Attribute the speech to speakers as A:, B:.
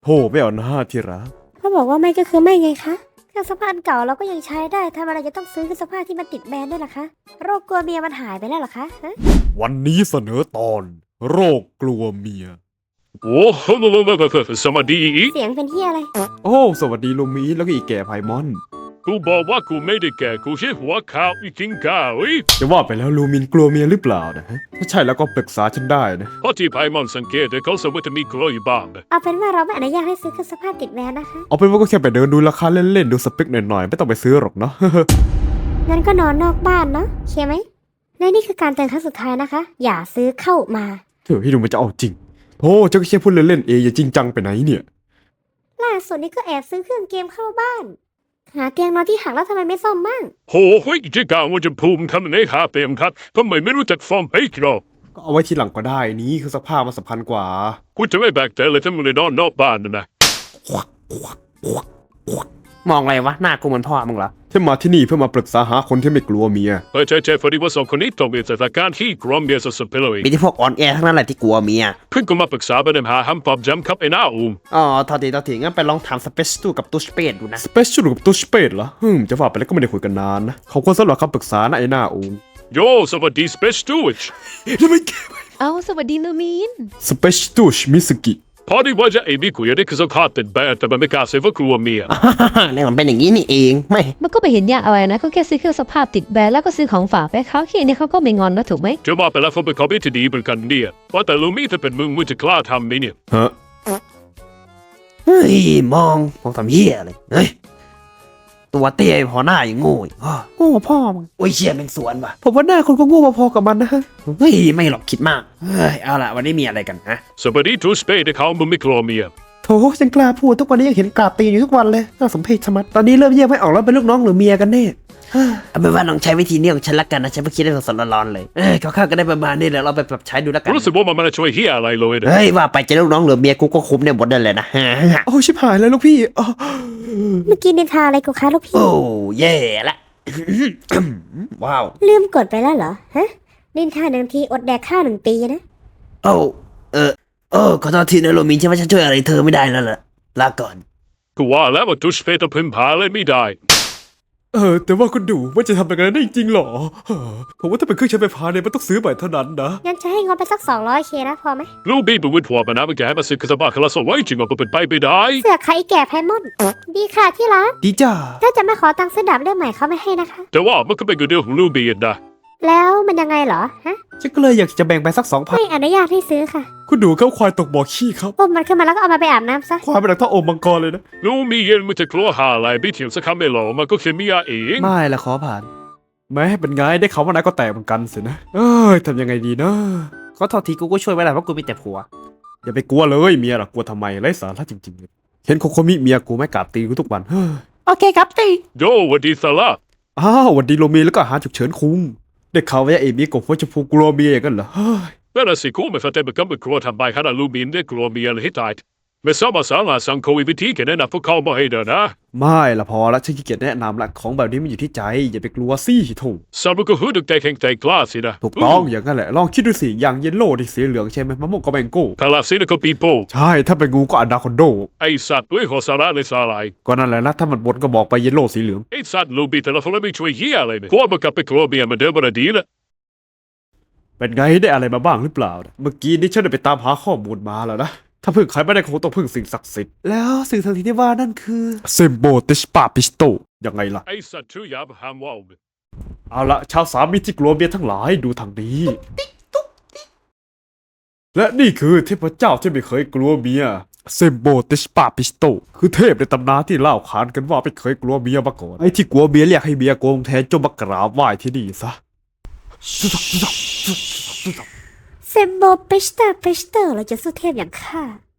A: โธ่ไม่เอาหน้าที่รัก
B: เขาบอกว่าไม่ก็คือไม่ไงคะเครื่องซักผ้าอันเก่าเราก็ยังใช้ได้ทำอะไรจะต้องซื้อเครื่องซักผ้าที่มันติดแบรนด์ด้วยล่ะคะโรคกลัวเมียมันหายไปแล้วเหรอคะฮะ
A: วันนี้เสนอตอนโรคกลัวเมีย
C: โอ้โหสวัสดี
B: เสียงเป็นเฮียอะไร
A: โอ้สวัสดีลูมีแล้วก็อีแก่ไพมอน
C: กูบอกว่ากูไม่ได้แก่กูแค่หัวขาวอีกินข้าว
A: จะว่าไปแล้วลูมินกลัวเมียหรือเปล่านะฮะถ้าใช่แล้วก็ปรึกษาฉันได้นะ
C: เพราะที่ไพมอนสังเกตเขาสมมติมีกลัวอยู่บ้าง
B: เอาเป็นว่าเราไม่อนุญาตให้ซื้อเครื่องซักผ้าติดแบรนด์นะคะ
A: เอาเป็นว่าก็แค่ไปเดินดูราคาเล่นๆดูสเปคหน่อยๆไม่ต้องไปซื้อหรอกเนาะ
B: งั้นก็นอนนอกบ้านเนาะเคไหมและนี่คือการเตือนครั้งสุดท้ายนะคะ อย่าซื้อเข้ามา
A: เถอะพี่ดูมันจะเอาจริงโอ้เจ้าก็แค่พูดเล่นๆเองอย่าจริงจังไปไหนเนี่ย
B: ล่าสุดนี้ก็แอบซื้อเครื่องเกมเข้าบ้าน หาเตียงนอนที่หักแล้วทำไมไม่ซ่อมบ้าง
C: โอ้โหจะกล่าวว่าจะภูมิทำในหาเต็มครับทำไมไม่รู้จักฟอร์มให้ครบ
A: ก็เอาไว้ทีหลังก็ได้นี่คือสภาพมันสำคัญกว่า
C: กูจะไม่แบกใจเลยถ้ามึงเลยนอนนอกบ้านนะ
D: มองอะไรวะหน้ากูเหมือนพ่อมึงเหรอ
A: ที่มาที่นี่เพื่อมาปรึกษาหาคนที่ไม่กลัวเมีย
C: เฮ้ยเจ๊พอดีว่าสองคนนี้ต้องมีสถานการณ์ที่กรอมเบียสุดๆไปเลย
D: มีที่พวกอ่อนแอทั้งนั้นแหละที่กลัวเมีย
C: เพิ่งกูมาปรึกษาปัญหาห้ามปอบจำครับไอ้หน้าอุ้ม
D: อ๋อทอทีงั้นไปลองถามสเปซตูกับตูสเปดดูนะ
A: สเปเชียลกับตัวสเปดเหรอจะว่าไปแล้วก็ไม่ได้คุยกันนานนะเขาควรสำหรับคำปรึกษานะไอ้หน้าองค์
C: โยสวัสดีสเปซตูช
A: ยังไม่
E: เอาสวัสดีลูมิน
A: สเปเชียลมิสกิ
C: พอดีว่าจะไอ้บิ๊กกูอยากได้คือสกัดติดแบนแต่มันไม่กล้าเซฟว่ากลัวเมีย
D: เนี่ยมันเป็นอย่างนี้นี่เองไม่
E: มันก็ไม่เห็นยากอะไรนะก็แค่ซื้อเครื่องซักผ้าติดแบรนด์แล้วก็ซื้อของฝากไปเขาแค่นี้เขาก็ไม่งอนนะถูกไหม
C: จะว่าไปแล้วผมเป็นคอมพิวที่ดีเหมือนกันเนี่ยว่าแต่ลูมี่ถ้าเป็นมึงจะกล้าทำไหมเนี่ย
A: ฮะ
D: เฮ้ยมองทำเหี้ยเลยเฮ้ยตัวเตี้ยพอหน้าอย่างโง่อีกอ้อโง่กว่าพ่อมึงโอ้ยเชี่ยเป็นสวนว่ะ
A: ผมว่าหน้าคนก็โง่พอๆกับมันนะฮะ
D: เฮ้ยไม่หรอกคิดมากเฮ้ยเอาล่ะวันนี้มีอะไรกันฮะ
C: สวัสดีทูสเปย์ที่เขามึงไม่กลัวเมีย
A: โถฉันกล้าพูดทุกวันนี้ยังเห็นกราบตีนอยู่ทุกวันเลยน่าสมเพชชะมัดตอนนี้เริ่มแยกไม่ออกแล้วเป็นลูกน้องหรือเมียกันแน่
D: เอาเป็นว่าลองใช้วิธีนี้ของฉันละกันนะฉันเพิ่งคิดได้สดๆร้อนๆเลยคร่าวๆก็ได้ประมาณนี้แหละเราไปปรับใช้ดูละกัน
C: รู้สึกว่ามันไม่ได้ช่วยเฮียอะไรเลยนะ
D: เฮ้ยว่าไปจะลูกน้องหรือเมียกูก็คุ้มเนี่ยหมดเลยนะ
A: โอ้ชิบหายแล้วลูกพี่อ๋อ
B: เมื่อกี้นินทาอะไรกูคะลูกพี่
D: โอ้เย่ละ ว้าว
B: ลืมกดไปแล้วเหรอฮะนินทาหนึ่งทีอดแดกข้าว1 ปีนะ
D: โอ้ขอโทษทีนะโรมินใช่ว่าฉันช่วยอะไรเธอไม่ได้แล้วล่ะลาก่อน
C: กูว่าแล้วว่าทูสเปย์ต้องพึ่งพาเลยไม่ได้
A: แต่ว่าคุณดูว่าจะทำอย่างนั้นได้จริงๆหรอผมว่าถ้าเป็นเครื่องใช้ไฟฟ้าเนี่ยมันต้องซื้อใหม่เท่านั้นนะ
B: งั้นจะให้งบไปสัก200Kนะพอไหม
C: ลูบี้เป็นวิทย์หัวมันนะมันแกมาซื้อกระบะคลาสไว้จริงว่าเป็นไปไม่ได้
B: เสือกใครแก่ไพมอนดีค่ะที่รัก
A: ดีจ้า
B: ถ้าจะไม่ขอตังค์ซื้อดาบเล่มใหม่เขาไม่ให้นะคะ
C: แต่ว่ามันก็เป็นเรื่องของลูบี้นะ
B: แล้วมันยังไงเหรอฮะ
A: ฉันก็เลยอยากจะแบ่งไปสัก
B: ไม่อนุญาตให้ซื้อค่ะ
A: 2,000คุณดูเขาควายตกบ่อขี้ครับ
B: อุ้มมันขึ้นมาแล้วก็เอามาไปอาบน้ำซะ
A: ควายเป็นหลังเท่าโอมมังกรเลยนะ
C: ลูบี้เย็นมันจะกลัวหาอะไรไม่เถียงสักคำไม่หรอกมันก็แค่เมียเอง
A: ไม่ละขอผ่านแม้เป็นไงได้เขาว่านายก็แตกเหมือนกันสินะทำยังไงดีนะ
D: ขอโทษทีกูก็ช่วยไม่ได้เพราะกูมีแต่ผัว
A: อย่าไปกลัวเลยเมียหรอกกลัวทำไมไร้สาระจริงๆเลยเห็นโคโคมิเมียกูไม่กราบตีกูทุกวัน
D: โอเคครับตี
C: โยวันดีสาระ
A: อ้าววันดีโรเมีแล้วก็หาฉุกเฉินคุงได้ข่าวว่าเอมี่กับหัวชมพูกลัวเมียอย่างนั้นเหรอ
C: เวลาสิกูไม่ฟังแต่เป็นคำกลัวทำไปขนาดลูบี้ได้กลัวเมียเลยให้ตายไม่สามารถสร้างสังคมวิธีแค่นั้นพวกเขาไม่ให้เดินนะ
A: ไม่ละพอละฉันขี้เกียจแนะนำละของแบบนี้มันอยู่ที่ใจอย่าไปกลัวสิโถูก
C: สามก็หูดึกใจแข็งใจกล้าสินะ
A: ถูกต้องอย่างนั้นแหละลองคิดดูสิอย่างเยลโล่ที่สีเหลืองใช่ไหมมะม่วงก็แมงโก้
C: พาลาสินะก็ปีโป้
A: ใช่ถ้าเป็นงูก็อนาคอนโด
C: ไอสัตว์ด้วยหัวสาระเลยสาลาย
A: ก็นั่นแหละนะถ้ามันบนก็บอกไปเยลโล่สีเหลือง
C: ไอสัตว์ลูบี้แต่ละคนไม่ช่วยเฮียอะไรเลยกลัวมันกลับไปกลัวเมียมันเดิมมันดีละ
A: เป็นไงได้อะไรมาบ้างหรือเปล่านะเมื่อกี้นี้ฉันได้ไปตามหาข้อมูลมาแล้วนะถ้าพึ่งใครไม่ได้คงต้องพึ่งสิ่งศักดิ์สิทธิ์แล้วสิ่งศักดิ์สิทธิ์ที่ว่านั่นคือเซมโบติชปาปิสโตยังไงล่ะ
C: ไอสัตว์ชื่อยาบฮามว่าว
A: เอาละชาวสามีที่กลัวเมียทั้งหลายดูทางนี้และนี่คือเทพเจ้าที่ไม่เคยกลัวเมียเซมโบติชปาปิสโตคือเทพในตำนานที่เล่าขานกันว่าไม่เคยกลัวเมียมาก่อนไอ้ที่กลัวเมียเรียกให้เมียโกงแทนจงมากราบไหว้ที่นี่ซะ
B: เซมโบเปสเตอร์เราจะสู้เทพอย่างข้า